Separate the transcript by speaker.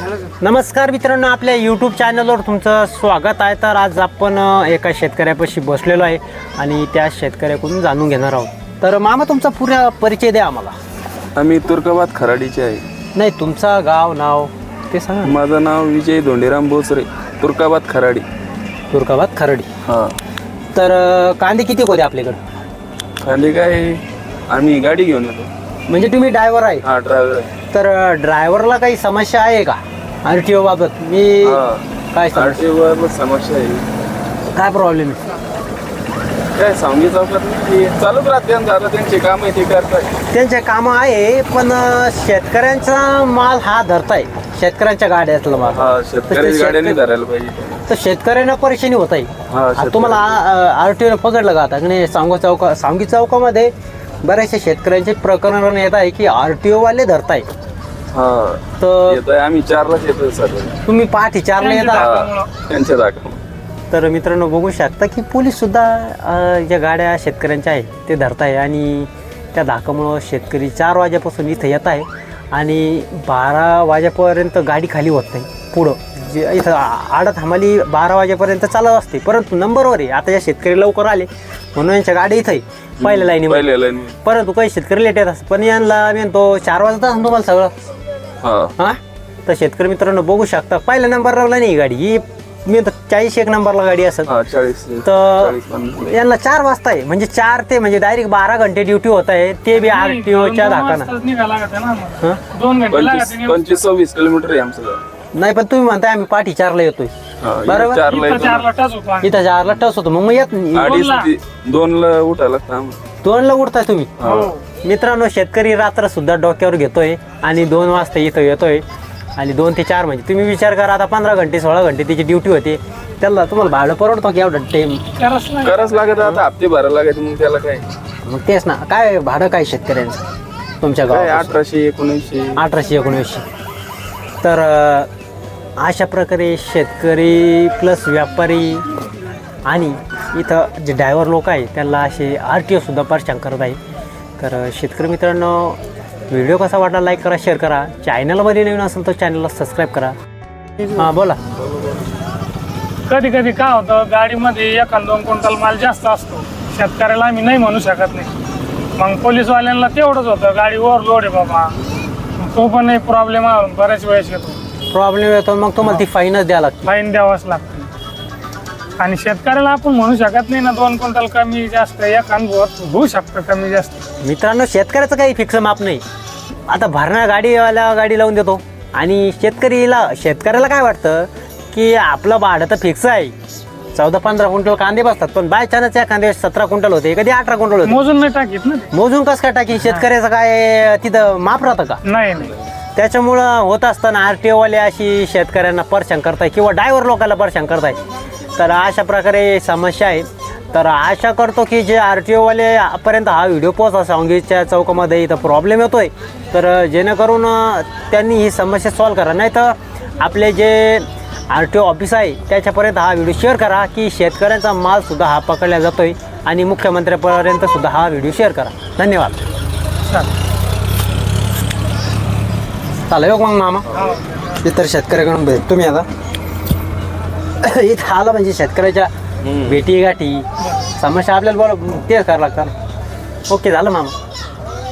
Speaker 1: नमस्कार मित्रांनो, आपल्या यूट्यूब चॅनलवर तुमचं स्वागत आहे. तर आज आपण एका शेतकऱ्यापाशी बसलेलो आहे आणि त्या शेतकऱ्याकडून जाणून घेणार आहोत. तर मामा, तुमचा पुरा परिचय द्या आम्हाला.
Speaker 2: आम्ही तुर्काबाद खराडीचे आहे.
Speaker 1: नाही, तुमचा गाव नाव ते सांगा.
Speaker 2: माझं नाव विजय धोंडीराम बोचरे, तुर्काबाद खराडी.
Speaker 1: तुर्काबाद खराडी.
Speaker 2: हां.
Speaker 1: तर कांदे किती होते आपल्याकडे?
Speaker 2: खाली काय, आम्ही गाडी घेऊन येतो.
Speaker 1: म्हणजे तुम्ही ड्रायव्हर आहे?
Speaker 2: हा, ड्रायव्हर आहे.
Speaker 1: तर ड्रायव्हरला काही समस्या आहे का RTO बाबत? मी काय
Speaker 2: समस्या आहे.
Speaker 1: काय प्रॉब्लेम आहे?
Speaker 2: काय सांगी चौकात चालूच राहते, दादा त्यांचे काम आहे ते करताय.
Speaker 1: त्यांचे कामं आहे, पण शेतकऱ्यांचा माल हा धरताय, शेतकऱ्यांच्या गाड्यातला माल.
Speaker 2: हा, शेतकरी गाड्यांनी धरायला पाहिजे.
Speaker 1: तर शेतकऱ्यांना परेशानी होत आहे. तुम्हाला RTO पकडलं का आता? नाही, सांगी चौकामध्ये बऱ्याचशा शेतकऱ्यांचे प्रकरण येत आहे की RTO वाले धरताय.
Speaker 2: तर आम्ही 4लाच येतोय सर.
Speaker 1: तुम्ही पहाटे 4ला येता
Speaker 2: त्यांच्या जागा.
Speaker 1: तर मित्रांनो, बघू शकता की पोलीस सुद्धा ज्या गाड्या शेतकऱ्यांच्या आहे ते धरताय आणि त्या धाकामुळं शेतकरी 4 वाजेपासून इथं येत आहे आणि 12 वाजेपर्यंत गाडी खाली होत नाही. पुढं जे इथं आडत हमाली 12 वाजेपर्यंत चालत असते, परंतु नंबरवर आहे. आता या शेतकरी लवकर आले म्हणून यांच्या गाडी इथं आहे पहिल्या लाईनीमध्ये, परंतु काही शेतकरी लेट येत असतात. पण यांना म्हणतो 4 वाजता तुम्हाला सगळं. हां, तर शेतकरी मित्रांनो बघू शकता, पहिल्या नंबरला नाही ही गाडी, ही मी 41 नंबरला गाडी असत. तर यांना 4 वाजता आहे, म्हणजे 4 ते म्हणजे डायरेक्ट 12 घंटे ड्युटी होत आहे, ते बी RTOच्या धाकानं.
Speaker 2: 25-26 किलोमीटर आहे आमचं.
Speaker 1: नाही, पण तुम्ही म्हणताय आम्ही पाठी 4ला येतोय, बरोबर? इथं 4ला टच होतो, मग येत नाही.
Speaker 2: 2ला उठायला लागतं.
Speaker 1: 2ला उठताय तुम्ही? मित्रांनो, शेतकरी रात्र सुद्धा डोक्यावर घेतोय आणि 2 वाजता इथं येतोय आणि 2 ते 4 म्हणजे तुम्ही विचार करा, आता 15 घंटे 16 घंटे त्याची ड्युटी होते. त्याला तुम्हाला भाडं परवडतो की एवढं टाइम?
Speaker 2: करावंच लागत. आता हप्ते भरायला लागायचे, मग त्याला काय.
Speaker 1: मग तेच ना, काय भाडं काय शेतकऱ्यांचं तुमच्या गावात? 1800-1900. तर अशा प्रकारे शेतकरी प्लस व्यापारी आणि इथं जे ड्रायव्हर लोक आहे त्यांना असे RTO सुद्धा परेशान करत आहे. तर शेतकरी मित्रांनो, व्हिडिओ कसा वाटला लाईक करा, शेअर करा. चॅनलमध्ये नवीन असेल तर चॅनलला सबस्क्राईब करा. हां, बोला.
Speaker 3: कधी कधी काय होतं, गाडीमध्ये 1-2 क्विंटल माल जास्त असतो, शेतकऱ्याला आम्ही नाही म्हणू शकत नाही. मग पोलीसवाल्यांना तेवढंच होतं, गाडी ओव्हरलोड आहे बाबा, तो पण एक प्रॉब्लेम बऱ्याच वेळेस येतो.
Speaker 1: प्रॉब्लेम येतो, मग तुम्हाला ती फाईनच द्यावं लागते.
Speaker 3: फाईन द्यावाच लागते. आणि शेतकऱ्याला आपण म्हणू शकत नाही ना 2 क्विंटल कमी जास्त, एक अनुभव होऊ शकतं कमी जास्त.
Speaker 1: मित्रांनो, शेतकऱ्याचं काही फिक्स माप नाही. आता भरणा गाडीवाला गाडी लावून देतो आणि शेतकऱ्याला काय वाटतं की आपलं भाडं तर फिक्स आहे, 14-15 क्विंटल कांदे बसतात, पण बाय चान्स या कांदे 17 क्विंटल होते, कधी 18 क्विंटल होते.
Speaker 3: मोजून नाही टाकीत ना.
Speaker 1: मोजून कसं काय टाकी? शेतकऱ्याचं काय तिथं माप राहतं का?
Speaker 3: नाही.
Speaker 1: त्याच्यामुळं होत असताना RTO वाले अशी शेतकऱ्यांना परेशान करताय किंवा ड्रायव्हर लोकांना परेशान करताय. तर अशा प्रकारे समस्या आहे. तर आशा करतो की जे RTO वालेपर्यंत हा व्हिडिओ पोहोचा, सांगीच्या चौकामध्ये इथं प्रॉब्लेम येतोय, तर जेणेकरून त्यांनी ही समस्या सॉल्व करा. नाही तर आपले जे RTO ऑफिस आहे त्याच्यापर्यंत हा व्हिडिओ शेअर करा की शेतकऱ्यांचा मालसुद्धा हा पकडला जातोय आणि मुख्यमंत्र्यापर्यंत सुद्धा हा व्हिडिओ शेअर करा. धन्यवाद. चालेल मग मामा, इतर शेतकऱ्याकडून भेट तुम्ही आता इथं आला म्हणजे शेतकऱ्याच्या भेटी गाठी समस्या आपल्याला तेच करावं लागतात. ओके, झालं मामा.